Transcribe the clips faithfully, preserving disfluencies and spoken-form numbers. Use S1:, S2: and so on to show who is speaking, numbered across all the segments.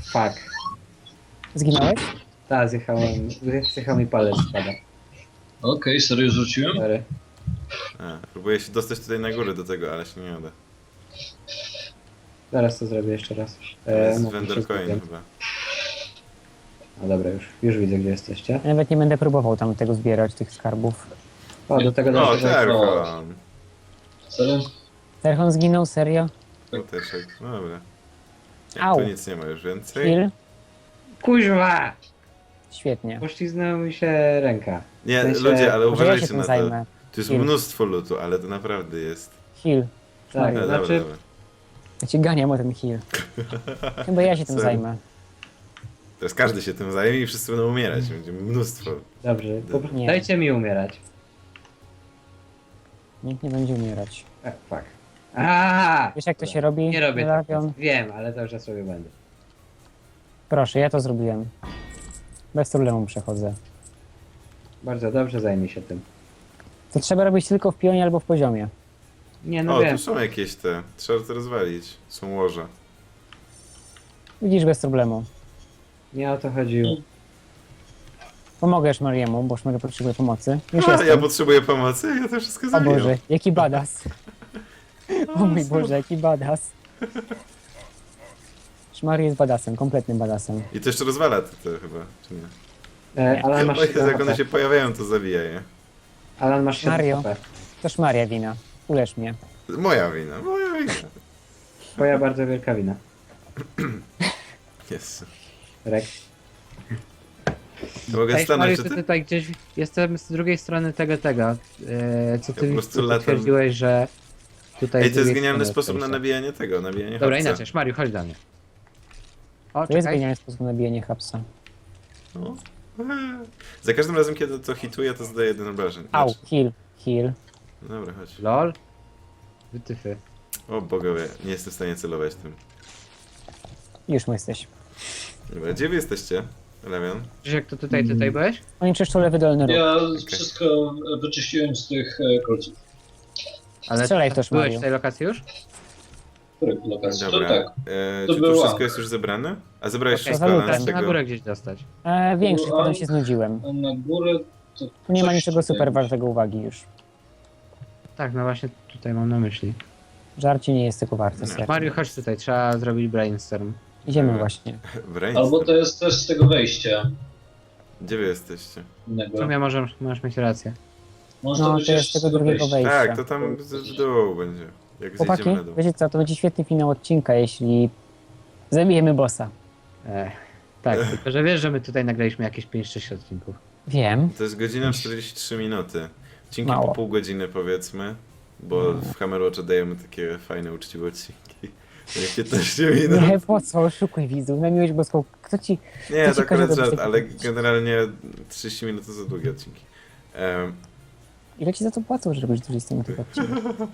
S1: Fuck.
S2: Zginąłeś?
S1: Ta, zjechałem, zjechał mi palec spada.
S3: Okej, serio rzuciłem?
S1: Sorry.
S4: A, próbuję się dostać tutaj na górę do tego, ale się nie uda.
S1: Zaraz to zrobię jeszcze raz.
S4: To jest
S1: mówię, się
S4: Wendercoin
S1: zgubiłem.
S4: chyba.
S1: No dobra, już, już widzę, gdzie jesteście.
S2: Ja nawet nie będę próbował tam tego zbierać, tych skarbów.
S1: O, do tego
S4: O,
S1: dojdę.
S4: Terchon!
S3: Serio?
S2: Terchon zginął, serio?
S4: Muteczek, no dobra. Nie,
S2: Au.
S4: tu nic nie ma już więcej.
S2: Kill?
S1: Kuźwa!
S2: Świetnie.
S1: Pośliznęła mi się ręka.
S4: Nie,
S1: W sensie-
S4: ludzie, ale
S2: Może ja się
S4: uważajcie
S2: tym
S4: na to.
S2: zajmę.
S4: Tu jest
S2: Kill.
S4: mnóstwo lutu, ale to naprawdę jest.
S2: Heal.
S1: Tak,
S4: No,
S1: znaczy,
S4: dobra, dobra.
S2: Ja ci ganiam o ten heal. Chyba ja się tym
S4: Sorry.
S2: zajmę.
S4: Teraz każdy się tym zajmie i wszyscy będą umierać. Będzie mnóstwo.
S1: dobrze, po,
S2: Nie.
S1: dajcie mi umierać.
S2: Nikt nie będzie umierać.
S1: Tak, fuck. Aaaa!
S2: Wiesz jak to się robi?
S1: Nie robię tak.
S2: Lawion?
S1: Wiem, ale to już ja sobie będę.
S2: Proszę, ja to zrobiłem. Bez problemu przechodzę.
S1: Bardzo dobrze, zajmij się tym.
S2: To trzeba robić tylko w pionie albo w poziomie.
S1: Nie, no
S4: O,
S1: wiem.
S4: tu są jakieś te. Trzeba to rozwalić. Są łoże.
S2: Widzisz, bez problemu.
S1: Nie o to chodziło.
S2: Pomogę Mariemu, bo Szmary potrzebuje pomocy. Już
S4: A,
S2: jestem.
S4: ja potrzebuję pomocy, ja to wszystko
S2: O
S4: zabijam.
S2: Boże, jaki badass. O mój Boże, jaki badass. Szmary jest badassem, kompletnym badassem.
S4: I to jeszcze rozwala to, to chyba, czy nie?
S1: E, Alan, masz
S4: O Jezu,
S1: siedem
S4: jak one
S1: H P.
S4: się pojawiają, to zabija je.
S1: Alan, masz siedem
S2: Mario.
S1: H P.
S2: To Szmaria wina. Ulecz mnie.
S4: Moja wina, moja wina.
S1: Twoja bardzo wielka wina.
S4: Jezu.
S1: Rek.
S4: To mogę
S1: Ej,
S4: stanąć,
S1: Mario,
S4: czy
S1: ty
S4: ty?
S1: tutaj gdzieś jestem z drugiej strony tego, tego. E, co
S4: Ja
S1: ty
S4: po prostu
S1: co
S4: latam.
S1: potwierdziłeś, że tutaj
S4: Ej,
S1: z
S4: to jest
S1: drugiej
S4: genialny
S1: strony
S4: sposób na
S1: odkryłeś.
S4: nabijanie tego, nabijanie
S1: Dobra,
S4: hapsa.
S1: inaczej, Szmariu, chodź do mnie. O,
S2: To jest
S1: czekaj.
S2: genialny sposób na bijanie hapsa.
S4: No. Za każdym razem, kiedy to hituje, to zadaje jeden obrażeń.
S2: Au,
S4: Znaczy-
S2: heal, heal.
S4: Dobra, chodź.
S1: Lol. Wytyfy.
S4: O bogowie, nie jestem w stanie celować tym.
S2: Już mu jesteś.
S4: Dobra, gdzie wy jesteście, Lewion?
S1: Krzysiek, to tutaj, tutaj byłeś?
S2: Oni czyszczą lewy dolny róg.
S3: Ja wszystko wyczyściłem z tych e, kolców.
S1: Ale
S2: Strzelaj w to,
S1: byłeś
S2: Szmariu.
S1: w tej lokacji już?
S3: Których lokacji? To
S4: Dobra.
S3: tak.
S4: E,
S3: To
S4: czy to
S3: była.
S4: wszystko jest już zebrane? A zebrałeś
S1: Okej,
S4: wszystko,
S2: za
S4: ale
S2: lutem.
S4: z
S1: Na
S4: czego?
S1: górę gdzieś dostać.
S2: E, większość,
S3: Była-
S2: potem się znudziłem.
S3: A na górę to
S2: Tu nie ma
S3: coś
S2: niczego
S3: tutaj
S2: super
S3: jest.
S2: wartego uwagi już.
S1: Tak, no właśnie tutaj mam na myśli.
S2: Żarcie nie jest tego warte,
S4: Nie.
S2: serio.
S1: Mariu, chodź tutaj, trzeba zrobić brainstorm.
S2: Idziemy
S4: Dobra.
S2: właśnie.
S4: Brainstorm.
S3: Albo to jest też z tego wejścia
S4: Gdzie wy jesteście?
S1: W
S3: innego.
S1: sumie możesz, możesz mieć rację.
S3: Może
S2: No,
S3: być
S2: to jest
S3: jeszcze z
S2: tego drugiego wejścia.
S4: Tak, to tam z- w dół będzie. Jak
S2: Chłopaki,
S4: zejdziemy na dół.
S2: wiecie co, to będzie świetny finał odcinka, jeśli zabijemy bossa.
S1: Ech, tak, tylko że wiesz, że my tutaj nagraliśmy jakieś pięć sześć odcinków.
S2: Wiem.
S4: To jest godzina czterdzieści trzy minuty. Odcinki
S2: Mało.
S4: po pół godziny powiedzmy, bo w Hammerwatcha dajemy takie fajne, uczciwe odcinki. Jak piętnaście minut.
S2: Nie, po co, oszukuj widzów, na miłość boską. Kto ci...
S4: Nie,
S2: to
S4: to
S2: ci każe
S4: akurat
S2: robić
S4: żart,
S2: takie
S4: ale
S2: rzeczy?
S4: generalnie trzydzieści minut to za długie odcinki. Um,
S2: Ile ci za to płacą, że robisz dwadzieścia minut odcinek?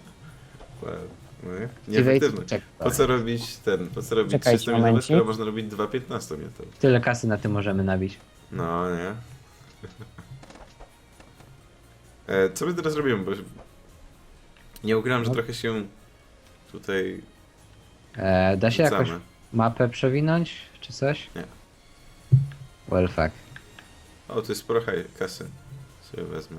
S4: Nieefektywne.
S1: Czek,
S4: Po co robić ten, po co robić
S2: Czekajcie
S4: trzysta minutowe,
S2: momencik.
S4: skoro można robić dwa piętnaście minutowe?
S1: Tyle kasy na tym możemy nabić.
S4: No, nie. E, co my teraz robimy, bo nie ukrywam, że
S2: No.
S4: trochę się tutaj
S1: E, da się jakoś
S4: rzucamy.
S1: mapę przewinąć, czy coś?
S4: Nie.
S1: Well, fuck.
S4: O, tu jest sporo haj- kasy. Sobie wezmę.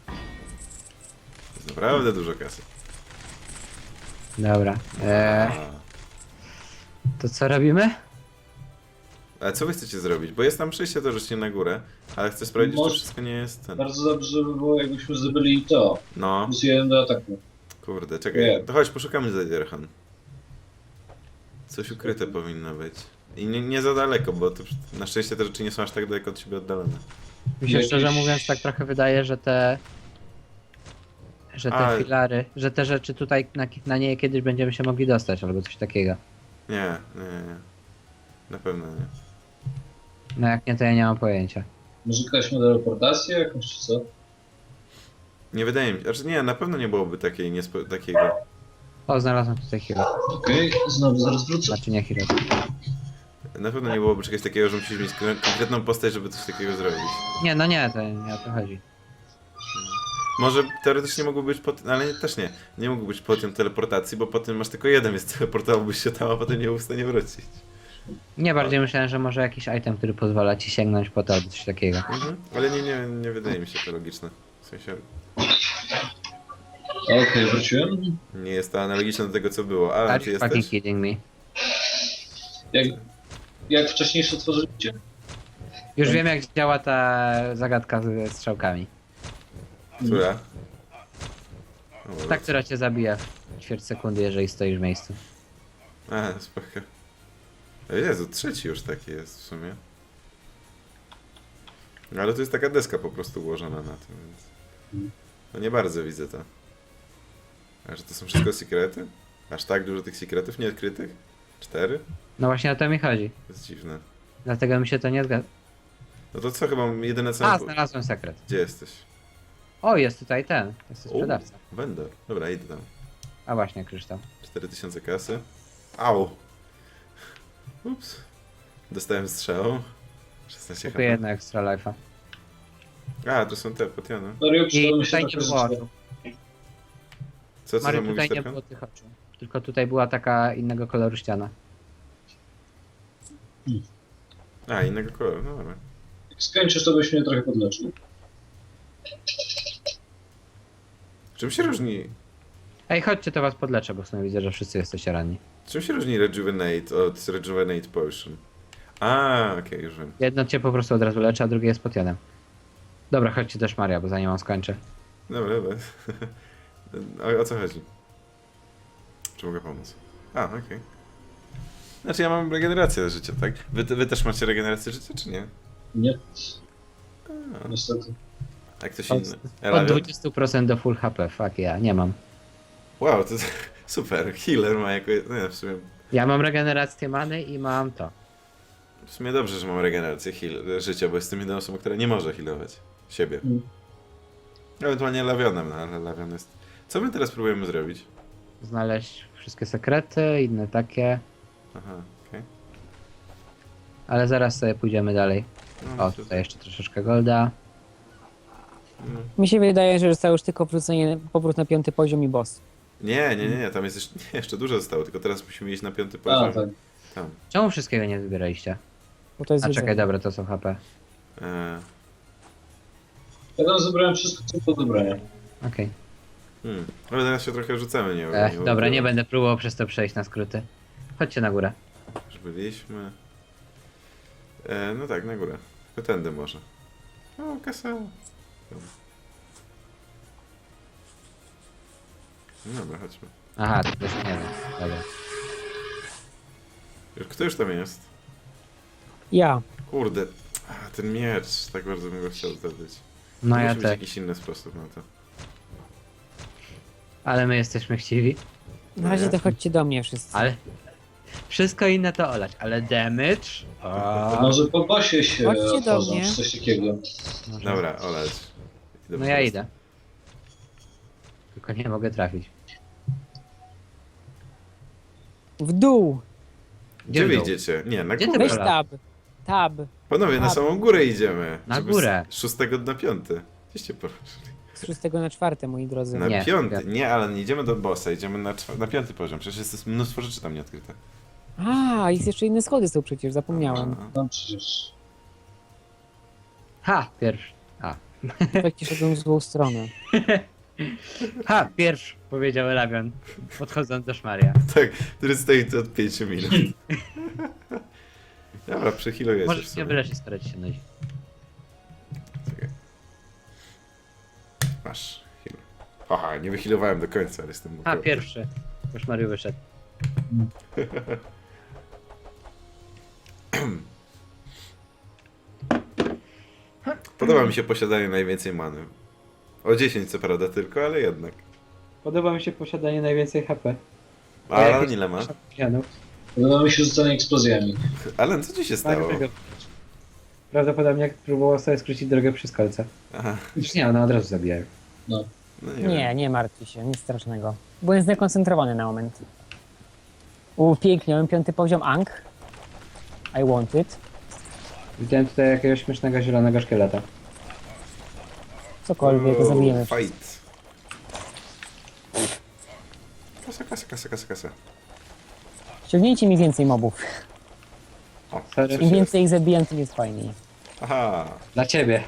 S4: Jest naprawdę dużo kasy.
S1: Dobra. E,
S4: A.
S1: to co robimy?
S4: Ale co wy chcecie zrobić? Bo jest tam przejście do rzeczy na górę, ale chcę sprawdzić,
S3: Może-
S4: czy wszystko nie jest ten.
S3: Bardzo dobrze by było, jakbyśmy zdobyli to.
S4: No,
S3: Plus jeden do ataku.
S4: kurde, czekaj.
S3: Nie.
S4: To chodź, poszukamy Zadirhan. Coś ukryte powinno być. I nie, nie za daleko, bo to, na szczęście te rzeczy nie są aż tak daleko od siebie oddalone.
S1: Mi się
S3: Jakieś-
S1: szczerze mówiąc tak trochę wydaje, że te... Że te
S4: A-
S1: filary, że te rzeczy tutaj na, na nie kiedyś będziemy się mogli dostać, albo coś takiego.
S4: Nie, nie, nie. Na pewno nie.
S1: No jak nie, to ja nie mam pojęcia.
S3: Może jakaś teleportację jakąś, czy co?
S4: Nie wydaje mi się, znaczy nie, na pewno nie byłoby takiej, niespo, takiego.
S1: O, znalazłem tutaj hero.
S3: Okej, znowu zaraz wrócę.
S1: Znaczy nie hero.
S4: Na pewno nie byłoby czegoś takiego, że musisz mieć kon- konkretną postać, żeby coś takiego zrobić.
S1: Nie, no nie, to nie o to chodzi.
S4: Może teoretycznie mógłby być pot... ale nie, też nie. Nie mógł być potem teleportacji, bo potem masz tylko jeden, więc teleportowałbyś się tam, a potem nie był w stanie wrócić.
S1: Nie, bardziej myślałem, że może jakiś item, który pozwala ci sięgnąć po to, albo coś takiego.
S4: Mhm. Ale nie, nie, nie wydaje mi się to logiczne. W sensie
S3: Okej, wróciłem.
S4: nie jest to analogiczne do tego, co było. Alan,
S1: Are
S4: czy
S1: you fucking
S4: jesteś?
S1: kidding me?
S3: Jak, jak wcześniejsze tworzycie?
S1: Już wiem, jak działa ta zagadka ze strzałkami.
S4: Która? O,
S1: Ta, która cię zabija w ćwierć sekundy, jeżeli stoisz w miejscu.
S4: A, spoko. O Jezu, trzeci już taki jest w sumie. No, ale to jest taka deska po prostu ułożona na tym, więc... No nie bardzo widzę to. A że to są wszystko sekrety? Aż tak dużo tych sekretów nieodkrytych? Cztery?
S1: No właśnie o to mi chodzi.
S4: To jest dziwne.
S1: Dlatego mi się to nie zgadza.
S4: No to co, chyba jedyne co...
S1: A, znalazłem sekret.
S4: Gdzie jesteś?
S1: O, jest tutaj ten. Jest to
S4: O,
S1: sprzedawca.
S4: vendor. Dobra, idę tam.
S1: A właśnie, kryształ.
S4: cztery tysiące kasy. Au! Ups. Dostałem strzał. szesnaście
S1: Kupię
S4: H
S1: jedno extra life'a.
S4: P. A, to są te potiony.
S3: Mario,
S1: I
S3: przydało mi się
S1: tutaj nie
S3: trochę
S1: było
S3: rzeczy.
S1: oczu.
S4: Co, co
S1: Mary,
S4: tam mówisz,
S1: tutaj nie
S4: Terkan?
S1: było tych oczu. Tylko tutaj była taka innego koloru ściana.
S4: A, innego koloru, no dobra.
S3: Jak skończysz, to byś mnie trochę podleczył.
S4: Czym się różni...
S1: Ej, chodźcie, to was podleczę, bo w sumie widzę, że wszyscy jesteście ranni.
S4: Czym się różni Rejuvenate od Rejuvenate Potion? A, okej, już wiem.
S1: Jedno cię po prostu od razu leczy, a drugie jest potionem. Dobra, chodźcie też Maria, bo zanim on skończy.
S4: Dobra, dobra. O, o co chodzi? Czy mogę pomóc? A, okej. Znaczy ja mam regenerację życia, tak? Wy, wy też macie regenerację życia, czy nie?
S3: Nie,
S4: A,
S3: niestety.
S4: a ktoś
S1: Od,
S4: inny?
S1: od
S4: Elavion?
S1: dwadzieścia procent do full H P, fuck ja, nie mam.
S4: Wow, to super. Healer ma jako... Nie, w sumie...
S1: Ja mam regenerację many i mam to.
S4: W sumie dobrze, że mam regenerację heal, życia, bo jestem jedyną osobą, która nie może healować siebie.
S3: Mm.
S4: Ewentualnie Lavionem, no ale Lavion jest... Co my teraz próbujemy zrobić?
S1: Znaleźć wszystkie sekrety, inne takie.
S4: Aha, okej.
S1: Ale zaraz sobie pójdziemy dalej.
S4: No,
S1: O,
S4: to-
S1: tutaj jeszcze troszeczkę golda.
S4: no.
S2: Mi się wydaje, że zostało już tylko wrócenie, powrót na piąty poziom i boss.
S4: Nie, nie, nie, nie, tam jest jeszcze, nie, jeszcze dużo zostało, tylko teraz musimy iść na piąty
S3: A,
S4: poziom.
S3: tak.
S4: Tam.
S1: Czemu wszystkiego nie wybieraliście?
S2: Bo to jest
S1: A
S2: jedzenie.
S1: czekaj, dobra, to są H P.
S4: E,
S3: Ja tam zebrałem wszystko, co do zebrania.
S1: Okej.
S4: hmm. Ale teraz się trochę rzucamy, nie
S1: Okay. Dobra,
S4: ukryłem.
S1: nie będę próbował przez to przejść na skróty. Chodźcie na górę.
S4: Już byliśmy. E, no tak, na górę. Tylko tędy może. O, kasa. No dobra, chodźmy.
S1: Aha, to też nie wiem. Dobra.
S4: Już, kto już tam jest?
S2: Ja.
S4: Kurde. A, ten miecz. Tak bardzo bym go chciał zdobyć.
S1: No
S4: To
S1: ja
S4: musi być
S1: też.
S4: jakiś inny sposób na to.
S1: Ale my jesteśmy chciwi.
S2: Na razie to chodźcie do mnie wszyscy.
S1: Ale... Wszystko inne to olać, ale damage? O,
S3: Może po bosie się
S2: Chodźcie do
S3: otworzą,
S2: mnie.
S3: czy coś takiego.
S1: może-
S4: Dobra, olać. Idę
S1: No
S4: po
S1: ja
S4: prostu.
S1: idę. Tylko nie mogę trafić.
S2: W dół!
S4: Gdzie
S1: w
S4: wy
S1: dół?
S4: idziecie? Nie, na
S1: Gdzie ty
S4: górę.
S2: Weź
S1: Dobra.
S2: tab. Tab.
S4: Panowie, na
S2: Tab.
S4: samą górę idziemy.
S1: Na
S4: żeby
S1: górę.
S4: Z szóstego na piąty. Gdzieście poszli?
S2: Z szóstego na czwarte, moi drodzy.
S4: Na
S1: Nie,
S4: piąty.
S1: piąty.
S4: Nie, ale nie idziemy do bossa, idziemy na, czwa- na piąty poziom. Przecież jest mnóstwo rzeczy tam nieodkryte.
S2: A, jest jeszcze inne schody są przecież, zapomniałem.
S4: A,
S3: Tam przecież.
S1: Ha, pierwszy. A.
S2: Faktycznie szedłem w złą stronę.
S1: Ha, pierwszy, powiedział Elavion, podchodząc do Szmaria.
S4: tak, który stoi tu od pięciu minut. Dobra, przechilujecie w
S1: Możesz
S4: sumie.
S1: mnie wyleczyć, skoro ci się nudzi.
S4: Czekaj. Masz, heal. Haha, nie wyhealowałem do końca, ale jestem
S1: Ha,
S4: mokry.
S1: pierwszy. Bo Szmariu wyszedł.
S4: Podoba mi się posiadanie najwięcej many. O dziesięć co prawda tylko, ale jednak.
S1: Podoba mi się posiadanie najwięcej H P.
S4: A Alan ile ma?
S3: Podoba mi się rzucanie eksplozjami.
S4: Alan, co ci się stało?
S1: Prawdopodobnie jak próbował sobie skrócić drogę przez kolce.
S4: Aha,
S1: Już nie, one od razu zabijają.
S4: no nie,
S2: Nie,
S4: wiem.
S2: nie martwcie się, nic strasznego. Byłem zdekoncentrowany na moment. Upiękniałem piąty poziom Ang. I want it.
S1: Widziałem tutaj jakiegoś śmiesznego zielonego szkieleta.
S2: Cokolwiek,
S4: O,
S2: zabijemy.
S4: Fight. Kasa, kasa, kasa, kasa, kasa.
S2: Ściągnijcie mi więcej mobów.
S4: O,
S1: Sorry.
S4: coś
S2: Im
S4: jest.
S2: więcej ich zabijam, tym jest fajniej.
S4: Aha.
S1: Dla ciebie.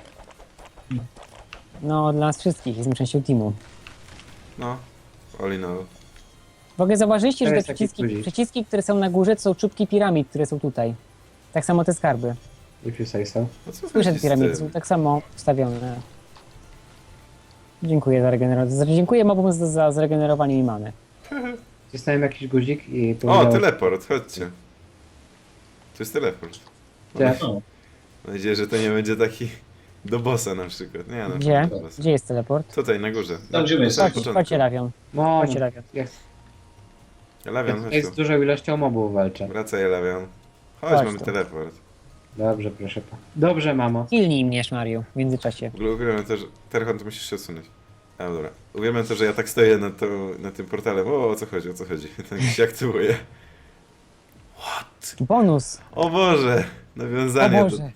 S2: No, dla nas wszystkich, jestem częścią teamu.
S4: No. All in all.
S2: W ogóle zauważyliście,
S1: To
S2: że te
S1: jest taki
S2: przyciski,
S1: guzik.
S2: przyciski, które są na górze, to są czubki piramid, które są tutaj. Tak samo te skarby.
S1: If you say so.
S4: No co
S2: Słyszę,
S4: chodzi
S2: te
S4: z
S2: piramidy
S4: tym?
S2: są tak samo ustawione. Dziękuję za regenerację. Znaczy, dziękuję mobom za, za zregenerowanie mi many.
S1: Wcisnąłem jakiś guzik i
S4: O,
S1: powiedział...
S4: teleport, chodźcie. To jest teleport.
S1: Gdzie?
S3: No,
S4: Mam nadzieję, że to nie będzie taki do bossa na przykład. Nie, no,
S2: Gdzie?
S4: do bossa.
S2: Gdzie jest teleport?
S4: Tutaj, na górze.
S3: Tam, gdzie my
S4: na
S3: jesteśmy.
S4: samym
S2: Chodź, chodźcie, Lawion.
S1: Mom,
S2: Chodźcie, Lawion.
S1: jak,
S4: Lawian,
S1: jak
S4: chodź
S1: jest z
S4: tu.
S1: dużą ilością mobów walczę.
S4: Wracaj, Lawian. Chodź,
S2: Chodź
S4: mamy
S2: tu.
S4: teleport.
S1: Dobrze, proszę pa. Dobrze, mamo.
S2: Kilnij mnie, Szmariu, w międzyczasie.
S4: W ogóle uwielbiam to, że... Terchon, to musisz się odsunąć. A, dobra. Uwielbiam to, że ja tak stoję nad, to, nad tym portalem. O, o co chodzi, o co chodzi. Tak się aktywuje. What?
S2: Bonus!
S4: O Boże!
S2: O
S4: Nawiązanie
S2: Boże!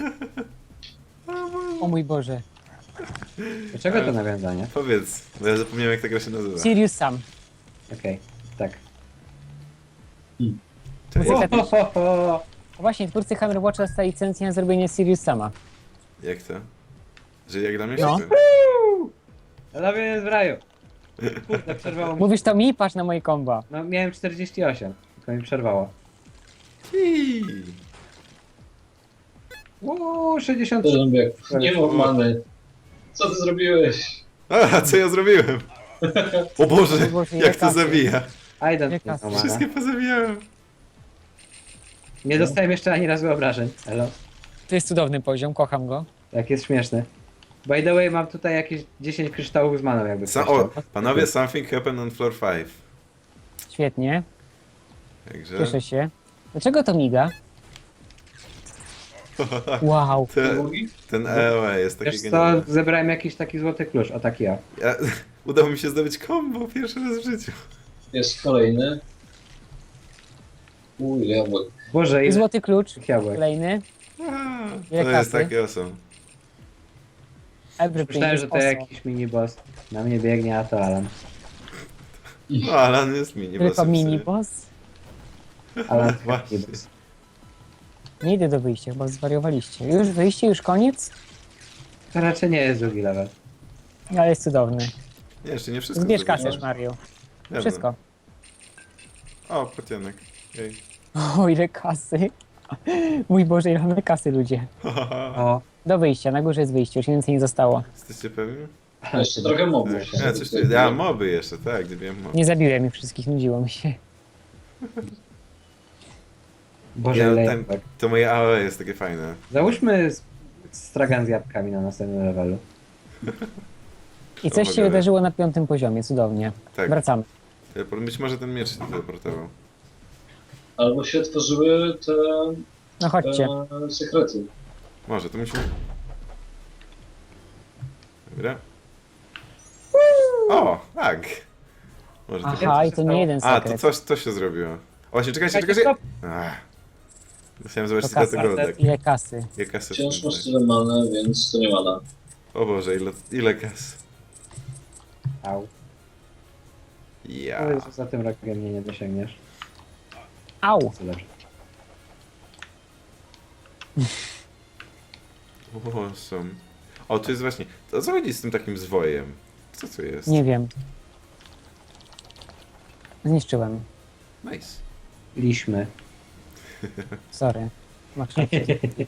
S2: O mój Boże.
S1: Dlaczego to nawiązanie?
S4: Powiedz, bo ja zapomniałem, jak ta gra się nazywa.
S2: Sirius Sam.
S1: Okej, tak.
S4: Cześć.
S2: Muzyka też.
S1: Ho, ho, ho.
S2: O właśnie, twórcy Hammer Watcha dostali licencję na zrobienie Sirius Sama.
S4: Jak to? Że jak dla mnie
S2: No.
S4: się
S1: Lawian jest w raju. Kurde, przerwało mi.
S2: Mówisz to mi? Patrz na moje komba.
S1: No miałem czterdzieści osiem, tylko mi przerwało.
S4: Hii.
S1: Uuu, sześćdziesiąt
S3: to
S1: trzy.
S3: zrobię. Nie mów mamy. Co ty zrobiłeś?
S4: A, co ja zrobiłem? O Boże,
S2: O Boże, ile
S4: jak to
S2: kasy.
S4: zabija.
S1: I don't
S2: Jak
S1: know,
S2: nas
S1: mana.
S4: Wszystkie pozabijałem.
S1: Nie dostałem jeszcze ani razu obrażeń. Elo.
S2: To jest cudowny poziom, kocham go.
S1: Jak jest śmieszny. By the way, mam tutaj jakieś dziesięć kryształów z maną, jakby
S4: Sa
S1: ktoś
S4: o,
S1: chciał.
S4: panowie, something happened on floor five.
S2: Świetnie,
S4: Także...
S2: cieszę się. Dlaczego to miga? Wow.
S4: Te,
S3: Drugi?
S4: ten E O E jest taki
S1: Wiesz co,
S4: genialny.
S1: zebrałem jakiś taki złoty klucz, o taki ja.
S4: Ja, udało mi się zdobyć combo pierwszy raz w życiu.
S3: Jest kolejny. Uj, jabłek.
S1: Boże, ile
S2: Złoty klucz,
S1: tych jabłek.
S2: kolejny.
S4: A,
S2: Ile
S4: to jest
S2: kasy?
S4: takie awesome.
S2: Everything
S1: Myślałem,
S2: is
S1: że to
S2: awesome.
S1: jakiś mini boss. Na mnie biegnie, a to Alan.
S4: No, Alan jest mini
S2: Tylko
S4: bossem
S2: mini
S4: sobie.
S2: boss?
S1: Alan
S4: Właśnie.
S1: mini boss.
S2: Nie idę do wyjścia, chyba zwariowaliście. Już wyjście, już koniec?
S1: To raczej nie jest drugi level.
S2: Ale jest cudowny.
S4: Nie, jeszcze nie wszystko.
S2: Zbierz
S4: zrobiłem.
S2: kasę, Mario.
S4: Dobra.
S2: Wszystko.
S4: O, pocianek. Jej.
S2: O, ile kasy. Mój Boże, ile mamy kasy, ludzie.
S1: O,
S2: Do wyjścia, na górze jest wyjście, już więcej nie zostało.
S4: Jesteście pewni?
S3: Jeszcze trochę mobów.
S4: Tak. Ja, coś tu... ja moby jeszcze, tak, gdy wiem moby.
S2: Nie zabiłem ich wszystkich, nudziło mi się.
S1: Boże,
S4: Ja,
S1: ile
S4: ten,
S1: jabłek.
S4: to moje A O E jest takie fajne.
S1: Załóżmy s- stragan z jabłkami na następnym levelu.
S2: I coś się
S4: Pomagamy.
S2: wydarzyło na piątym poziomie, cudownie.
S4: Tak.
S2: Wracamy.
S4: Teleport- Być może ten miecz się teleportował.
S3: Albo się otworzyły te
S2: No chodźcie.
S3: e, sekrety.
S4: Może, to musimy... Dobra. O, tak. Może to...
S2: Aha, i to nie jeden
S4: A, to
S2: sekret.
S4: coś, coś się zrobiło. O, właśnie, czekajcie,
S1: Czekajcie,
S4: czekajcie.
S1: stop.
S4: Ach. Chciałem
S2: To
S4: zobaczyć ile
S2: kasa,
S4: to goldek.
S2: ile kasy.
S4: Ile kasy
S3: Wciąż
S4: w tym
S3: masz
S4: tak.
S3: tyle many, więc to nie mana.
S4: O Boże, ile, ile kas.
S1: Au.
S4: Ja.
S1: Powiedz, że za tym rogiem mnie nie dosięgniesz.
S2: Au!
S1: Co dobrze.
S4: Awesome. O, tu jest właśnie... To o co chodzi z tym takim zwojem? Co to jest?
S2: Nie wiem. Zniszczyłem.
S4: Nice.
S1: Liśmy.
S2: Sorry. Masz rację.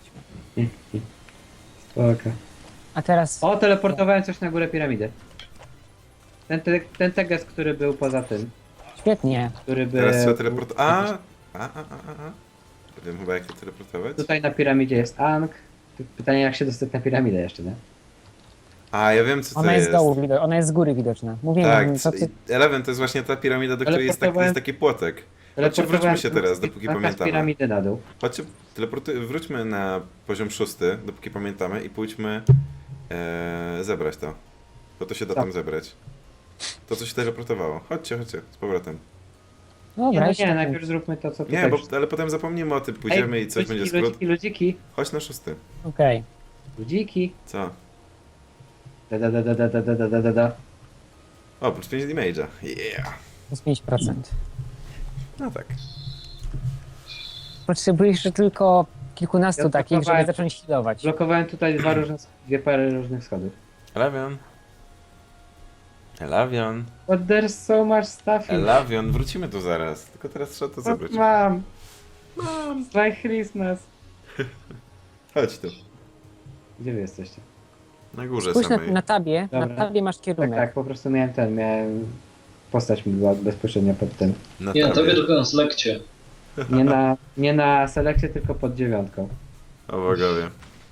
S1: Spoko.
S2: A teraz...
S1: O, teleportowałem coś na górę piramidy. Ten, te, ten teges, który był poza tym.
S2: Świetnie.
S1: Który by...
S4: Teraz trzeba teleport... A, a, a, a, a. Wiem chyba jak to teleportować.
S1: Tutaj na piramidzie jest Ankh. Pytanie, jak się dostać na piramidę jeszcze, nie?
S4: A, ja wiem co to
S2: Ona jest
S4: jest.
S2: z dołu widoczna, ona jest z góry widoczna. Mówiłem,
S4: Tak,
S2: co ty...
S4: Eleven to jest właśnie ta piramida, do której jest taki,
S1: Teleportowałem-
S4: jest taki płotek. Chodźcie,
S1: Teleportowałem
S4: wróćmy się teraz, dopóki
S1: Ankha z
S4: pamiętamy.
S1: piramidy na dół.
S4: Chodźcie, teleporty... wróćmy na poziom szósty, dopóki pamiętamy i pójdźmy e, zebrać to. Bo to się da
S1: Tak.
S4: tam zebrać. To, co się teleportowało. Chodźcie, chodźcie, z powrotem.
S1: Nie,
S2: Dobra,
S1: no
S2: jeszcze
S1: nie,
S2: tak-
S1: najpierw zróbmy to, co tutaj...
S4: Nie, bo, ale potem zapomnimy o tym, pójdziemy i coś
S1: ludziki,
S4: będzie skrót.
S1: ludziki, ludziki,
S4: Chodź na szósty.
S2: Okej.
S1: ludziki.
S4: Co?
S1: Da, da, da, da, da, da, da, da, da, da.
S4: O, plus pięć damage'a. Yeah.
S2: Plus pięć procent.
S4: No tak.
S2: Potrzebujesz jeszcze tylko kilkunastu
S1: Ja
S2: takich, żeby
S1: blokowałem-
S2: zacząć healować.
S1: Blokowałem tutaj dwa różne, dwie pary różnych schodów.
S4: Elavion. Elavion.
S1: But there's so much stuff in
S4: Elavion. Wrócimy tu zaraz. Tylko teraz trzeba to
S1: What
S4: zabrać.
S1: mam? Mam. It's like Christmas.
S4: Chodź tu.
S1: Gdzie wy jesteście?
S4: Na górze
S2: Spójrz na,
S4: samej.
S2: na tabie, na
S1: Dobra.
S2: tabie masz
S1: Tak,
S2: kierunek.
S1: tak, po prostu miałem ten, miałem... Postać mi była bezpośrednio pod tym.
S4: Na
S3: Nie, tobie
S4: tabie.
S3: tylko na selekcie.
S1: Nie na, nie na selekcie, tylko pod dziewiątką.
S4: O bogowie.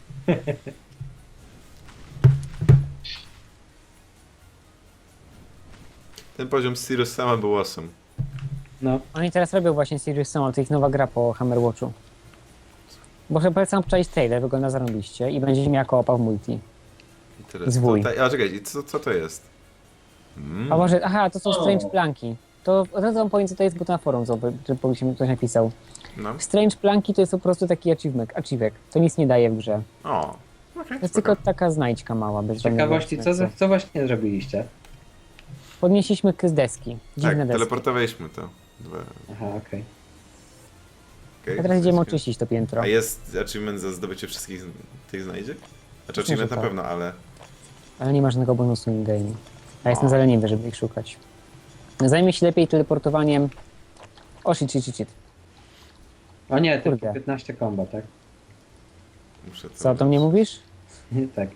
S4: Ten poziom z Sirius sama był awesome.
S1: No.
S2: Oni teraz robią właśnie Serious Sam, to ich nowa gra po Hammerwatchu. Bo chyba polecam obczaić trailer, wygląda zarobiście i będziecie miała koopa w multi.
S4: I teraz
S2: Zwój.
S4: tutaj... A czekaj, i co, co to jest? Mm.
S2: A może, aha, to są
S3: O.
S2: Strange Planki. To od razu wam powiem, co to jest, bo to na forum, co- żeby powiedzmy, ktoś napisał.
S4: No.
S2: Strange Planki to jest po prostu taki achievement, achievek. To nic nie daje w grze.
S4: O. Okay,
S2: To jest tylko taka znajdźka mała, bez
S1: Z ciekawości,
S2: żadnego
S1: co, za-
S2: sensu.
S1: co właśnie zrobiliście?
S2: Podnieśliśmy k z deski. Dziwne
S4: Tak,
S2: deski.
S4: teleportowaliśmy to. Dwa.
S1: Aha, okej.
S4: Okay,
S2: A teraz idziemy oczyścić to piętro.
S4: A jest achievement za zdobycie wszystkich z- tych znajdziek? Znaczy
S2: Myślę,
S4: achievement
S2: że
S4: na
S2: tak.
S4: pewno, ale...
S2: Ale nie ma żadnego bonusu in-game. A jestem
S4: O.
S2: za leniwy, żeby ich szukać. Zajmie się lepiej teleportowaniem... O, shit, shit, shit, shit.
S1: O nie,
S2: Kurde.
S1: tylko piętnaście komba, tak?
S4: Muszę to
S2: Co, to mnie mówisz?
S1: tak.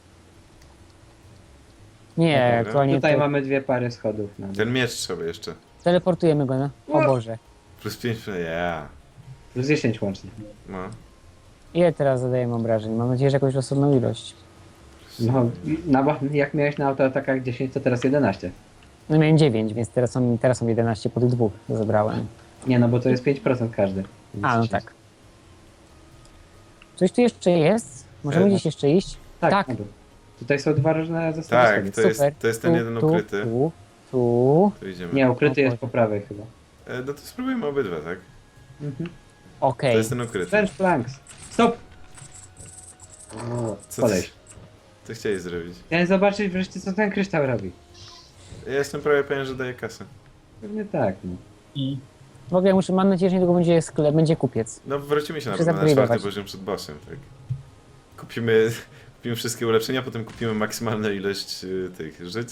S2: Nie,
S4: Dobra.
S2: aktualnie
S1: Tutaj
S2: to...
S1: mamy dwie pary schodów. Na
S4: Ten miecz trzeba jeszcze.
S2: teleportujemy go na... O
S1: O!
S2: Boże.
S4: Plus pięć, yeah.
S1: Plus dziesięć łącznie.
S4: No.
S2: Ile teraz zadajemy obrażeń? Mam nadzieję, że jakąś rozsądną ilość.
S1: No, na, jak miałeś na autoatakach dziesięć, to teraz jedenaście.
S2: No miałem dziewięć, więc teraz są, teraz są jedenaście po tych dwóch, co zabrałem.
S1: Nie, no bo to jest pięć procent każdy. Więc
S2: A, no
S1: dziesięć.
S2: tak. Coś tu jeszcze jest? Możemy
S4: E,
S2: gdzieś jeszcze iść?
S1: Tak,
S2: Tak.
S1: na dół. Tutaj są dwa różne zestawy
S4: Tak,
S1: schodów.
S4: to jest,
S2: Super.
S4: to jest ten
S2: Tu,
S4: jeden
S2: tu,
S4: ukryty.
S2: Tu, tu.
S4: Tu idziemy.
S1: Nie, ukryty
S2: O
S1: jest
S2: Boże.
S1: po prawej chyba.
S4: E, no to spróbujmy obydwa, tak?
S1: Mhm.
S2: Okej.
S4: To jest ten ukryty.
S1: Strange Planks. Stop! O,
S4: Co
S1: Koleś.
S4: Co chciałeś zrobić?
S1: Chciałem zobaczyć wreszcie, co ten kryształ robi.
S4: Ja jestem prawie pewien, że daje kasę.
S1: Pewnie tak, no.
S3: Mm.
S2: W ogóle muszę, mam nadzieję, że niedługo będzie sklep, będzie kupiec.
S4: No wrócimy się na
S2: Muszę
S4: pewno na czwarty
S2: zupgrade'ować.
S4: poziom przed bossem, tak? Kupimy, kupimy wszystkie ulepszenia, potem kupimy maksymalną ilość y, tych żyć.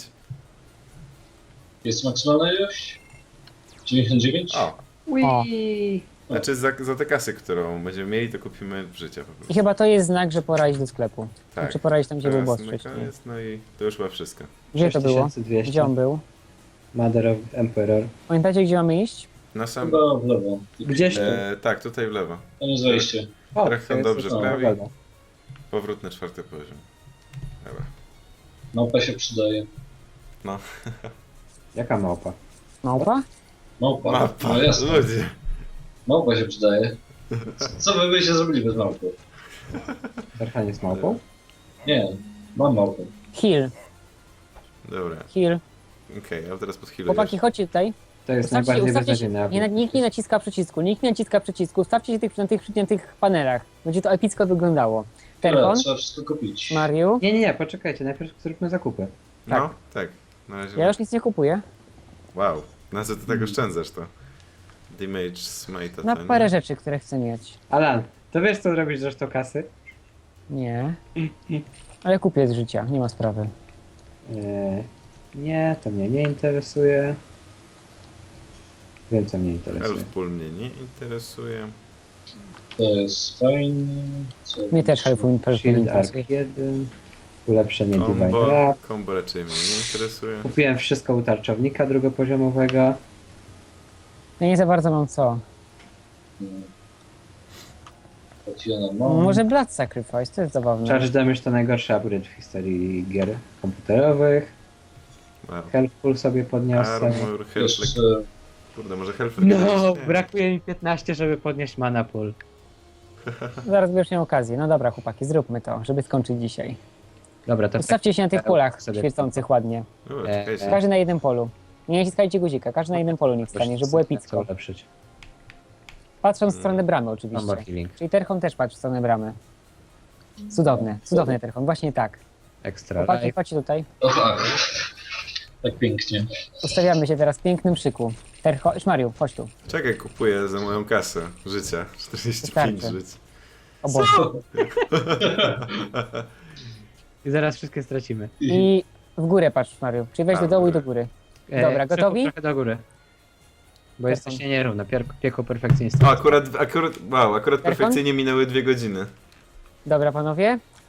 S3: Jest maksymalna ilość? dziewięćdziesiąt dziewięć?
S4: O!
S1: Whee!
S4: Znaczy za, za tę kasę, którą będziemy mieli, to kupimy życia po
S2: I
S4: prostu.
S2: chyba to jest znak, że pora iść do sklepu.
S4: Tak.
S2: Znaczy pora iść tam, gdzie był
S4: Teraz
S2: boss
S4: na
S2: wcześniej.
S4: koniec, no i to już chyba wszystko.
S2: Gdzie to było?
S1: sześć tysięcy dwieście.
S2: Gdzie on był?
S1: Mother of Emperor.
S2: Pamiętacie, gdzie mamy iść?
S4: Na sam...
S3: Chyba w lewo.
S1: Gdzieś tu.
S4: E, tak, tutaj w lewo.
S3: Tam jest wejście.
S1: O,
S4: trochę
S1: to jest-
S4: dobrze
S1: o,
S4: prawi.
S1: dobra.
S4: Powrót na czwarty poziom. Dobra.
S3: Małpa się przydaje.
S4: No.
S1: Jaka małpa?
S2: Małpa?
S3: Małpa.
S4: Mapa,
S3: No jasne.
S4: ludzie.
S3: Małpa się przydaje. Co wy byście zrobili bez małpy?
S1: Tarhan jest małpą?
S3: Nie, mam małpę.
S2: Heal,
S4: Dobra,
S2: heal.
S4: okej, a teraz pod chwilę.
S2: Chłopaki, chodźcie tutaj.
S1: To jest
S2: Ustawcie się,
S1: najbardziej
S2: ustawcie się.
S1: beznadziejny
S2: Nie,
S1: update.
S2: nikt nie naciska przycisku, nikt nie naciska przycisku. Ustawcie się tych, na, tych, na tych panelach. Będzie to epicko wyglądało.
S3: Dobra,
S2: Terpon,
S3: trzeba wszystko kupić.
S2: Mariu.
S1: Nie, nie, nie, poczekajcie, najpierw zróbmy zakupy.
S4: No, tak. Na razie.
S2: Ja już nic nie kupuję.
S4: Wow, na co ty tak oszczędzasz to? Damage smite
S2: Na
S4: ten.
S2: parę rzeczy, które chcę mieć.
S1: Alan, to wiesz co zrobić z resztą kasy?
S2: Nie. Ale kupię z życia, nie ma sprawy.
S1: Eee, nie, to mnie nie interesuje. Wiem co mnie interesuje.
S4: Elfpool mnie nie interesuje.
S3: To jest fajne. Co
S2: Mnie też Helfu
S1: Shield
S2: nie
S1: Arc
S2: interesuje.
S1: jeden. Ulepszenie Divine
S4: Combo,
S1: Wrap.
S4: combo raczej mnie nie interesuje.
S1: Kupiłem wszystko u tarczownika drugopoziomowego.
S2: Ja nie za bardzo mam co.
S3: Potiona mam.
S2: Może Blood Sacrifice, to jest zabawne.
S1: Charge Damage to najgorszy upgrade w historii gier komputerowych.
S4: Wow.
S1: Health Pool sobie podniosę.
S4: Armor, health,
S3: Jeszcze
S4: kurde, może health
S1: No,
S4: nie.
S1: brakuje mi piętnaście, żeby podnieść mana pool.
S2: Zaraz będziesz miał okazję. No dobra, chłopaki, zróbmy to, żeby skończyć dzisiaj.
S1: Dobra, to
S2: Ustawcie się na tych
S1: tak,
S2: polach
S1: sobie-
S2: świecących ładnie.
S4: O,
S1: E,
S4: czekajcie.
S2: Każdy na jednym polu. Nie naciskajcie guzika, każdy na jednym polu niech stanie, żeby było
S1: Chcę
S2: epicko.
S1: ulepszyć.
S2: Patrząc w stronę bramy
S1: Mam
S2: oczywiście.
S1: more healing.
S2: Czyli Terchon też patrzy w stronę bramy. Cudowne, cudowny Terchon, właśnie tak.
S1: Extra
S2: Chłopaki,
S1: life.
S2: chodźcie tutaj.
S3: O tak. Tak pięknie.
S2: Ustawiamy się teraz w pięknym szyku. Ter, chodź Mariu, chodź tu.
S4: Czekaj, kupuję za moją kasę życia. czterdzieści pięć
S2: Wystarczy.
S4: żyć.
S2: O Boże.
S1: I zaraz wszystkie stracimy.
S2: I w górę patrz Mariu, czyli weź
S4: A,
S2: do dołu i
S4: dobra.
S2: do góry.
S1: E,
S2: Dobra,
S1: przechód
S2: gotowi?
S1: trochę do góry. Bo
S2: Perfekt.
S1: jesteście nierówno, pier- piekło perfekcjonista.
S4: O, akurat, akurat, wow, akurat
S2: Perfon?
S4: perfekcyjnie minęły dwie godziny.
S2: Dobra panowie,